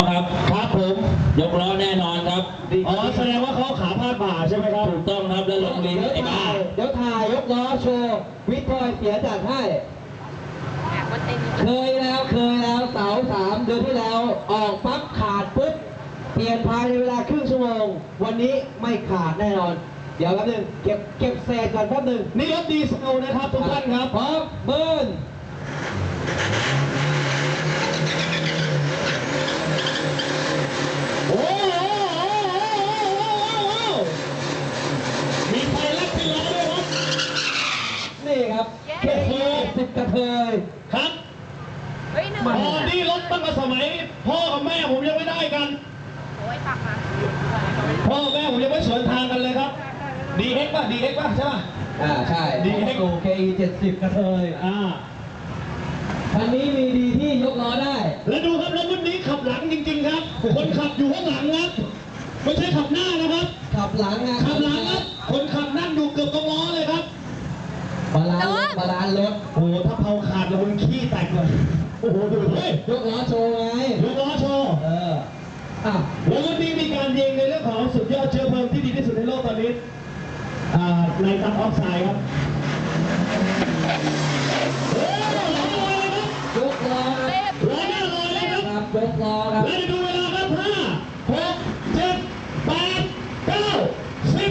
ครับครับผมยกล้อแน่นอนครับอ๋อแสดงว่าเขาขาพาดบ่าใช่ไหมครับถูกต้องครับแล้วลงลิ้นไอ้บ้าเดี๋ยวถ่ายยกล้อโชว์วิทย์พลอยเสียจัดให้เคยแล้วเสา3 เดือนที่แล้วออกปั๊บขาดปุ๊บเปลี่ยนภายในเวลาครึ่งชั่วโมงวันนี้ไม่ขาดแน่นอนเดี๋ยวแป๊บนึงเก็บเศษก่อนแป๊บนึงนี่รถดีเซลนะครับทุกท่านครับพร้อมเบิร์นโอ้โหมีไฟลัดเป็นล้อด้วยครับนี่ครับเก็บสิบกระเทยครับอ๋อนี่รถตั้งแต่สมัยพ่อกับแม่ผมยังไม่ได้กันพ่อแม่ผมยังไม่สวนทางกันเลยครับDX ป่ะใช่ป่ะใช่ DX KE 70กระเทยคันนี้มีดีที่ยกล้อได้แล้วดูครับรถรุ่นนี้ขับหลังจริงๆครับคนขับอยู่ข้างหลังครับไม่ใช่ขับหน้านะครับขับหลังขับหลังครับคนขับนั่งอยู่เกือบตรงล้อเลยครับบาลานซ์รถโอ้โหถ้าเผาขาดแล้วมันขี้แตกเลยโอ้โหดูเฮ้ยยกล้อโชว์ไงยกล้อโชว์แล้ววันนี้มีการยิงในเรื่องของสุดยอดเชื้อเพลิงที่ดีที่สุดในโลกตอนนี้ในตับออกไซด์ครับโอ้